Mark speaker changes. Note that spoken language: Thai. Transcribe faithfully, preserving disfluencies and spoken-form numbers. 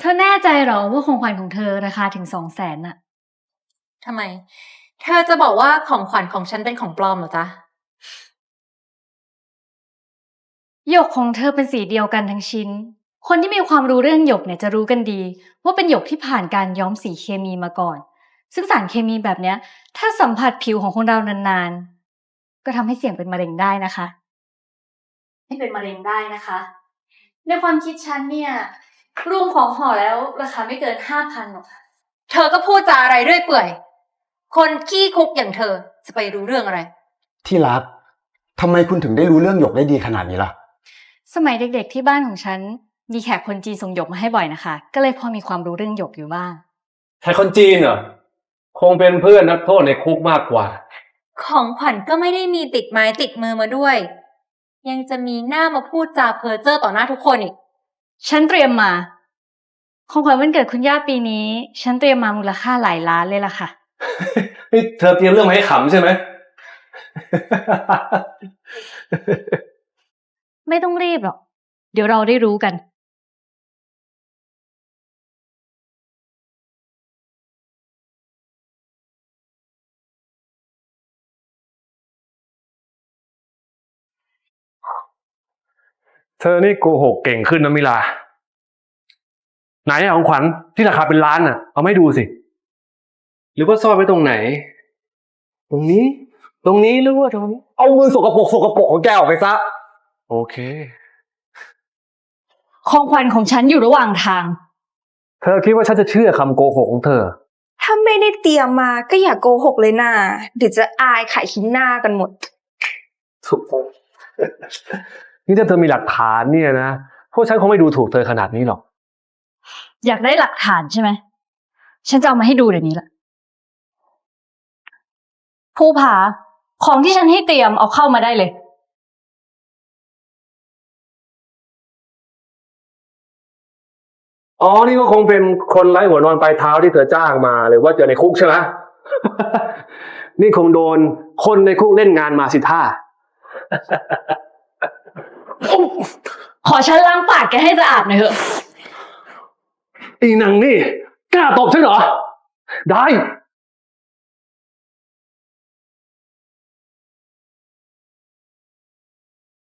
Speaker 1: ธอแน่ใจเหรอว่าของขวัญของเธอราคาถึงสองแสนน่ะ
Speaker 2: ทำไม เธอจะบอกว่าของขวัญของฉันเป็นของปลอมเหรอจ๊ะ
Speaker 1: หยกของเธอเป็นสีเดียวกันทั้งชิ้นคนที่มีความรู้เรื่องหยกเนี่ยจะรู้กันดีว่าเป็นหยกที่ผ่านการย้อมสีเคมีมาก่อนซึ่งสารเคมีแบบเนี้ยถ้าสัมผัสผิวของคนเรานานๆก็ทำให้เสี่ยงเป็นมะเร็งได้นะคะให้เป็นมะเร็งได้นะคะในความคิดฉันเนี่ยรวมของห่อแล้วราคาไม่เกินห้าพันหรอกค่ะ
Speaker 2: เธอก็พูดจาอะไรเรื่อยเปื่อยคนขี้คุกอย่างเธอจะไปรู้เรื่องอะไร
Speaker 3: ที่รักทำไมคุณถึงได้รู้เรื่องหยกได้ดีขนาดนี้ล่ะ
Speaker 1: สมัยเด็กๆที่บ้านของฉันมีแขกคนจีนส่งหยกมาให้บ่อยนะคะก็เลยพอมีความรู้เรื่องหยกอยู่บ้าง
Speaker 4: ใครคนจีนเหรอคงเป็นเพื่อนนักโทษในคุกมากกว่า
Speaker 2: ของขวัญก็ไม่ได้มีติดไม้ติดมือมาด้วยยังจะมีหน้ามาพูดจาเพ้อเจ้อต่อหน้าทุกคนอีก
Speaker 1: ฉันเตรียมมาของขวัญวันเกิดคุณย่าปีนี้ฉันเตรียมมามูลค่าหลายล้านเลยล่ะค่ะ
Speaker 4: นี่เธอเตรียมเรื่องมาให้ขำใช่ไหม
Speaker 1: ไม่ต้องรีบหรอกเดี๋ยวเราได้รู้กัน
Speaker 4: เธอนี่โกหกเก่งขึ้นนะมิลาไหนอะของขวัญที่ราคาเป็นล้านอะเอาไม่ดูสิหรือว่าซ่อนไว้ตรงไหนตรงนี้ตรงนี้หรือว่าตรงนี้
Speaker 3: เอามือสกปรกสกปรกของแกออกไปซะ
Speaker 4: โอเค
Speaker 1: ของขวัญของฉันอยู่ระหว่างทาง
Speaker 4: เธอคิดว่าฉันจะเชื่อคำโกหกของเธอ
Speaker 5: ถ้าไม่ได้เตรียมมาก็อย่าโกหกเลยนะเดี๋ยวจะอายขายขี้หน้ากันหมด
Speaker 4: ถูกต้องนี่ถ้าเธอมีหลักฐานเนี่ยนะพวกฉันคงไม่ดูถูกเธอขนาดนี้หรอก
Speaker 1: อยากได้หลักฐานใช่ไหมฉันจะเอามาให้ดูเดี๋ยวนี้แหละภูผาของที่ฉันให้เตรียมเอาเข้ามาได้เลย
Speaker 4: อ๋อนี่ก็คงเป็นคนไร้หัวนอนปลายเท้าที่เธอจ้างมาหรือว่าเจอในคุกใช่ไหม นี่คงโดนคนในคุกเล่นงานมาสิท่า
Speaker 1: ขอฉันล้างปากแกให้สะอาดหน่อยเถอะ
Speaker 4: อีนางนี่กล้าตบฉันเหรอได้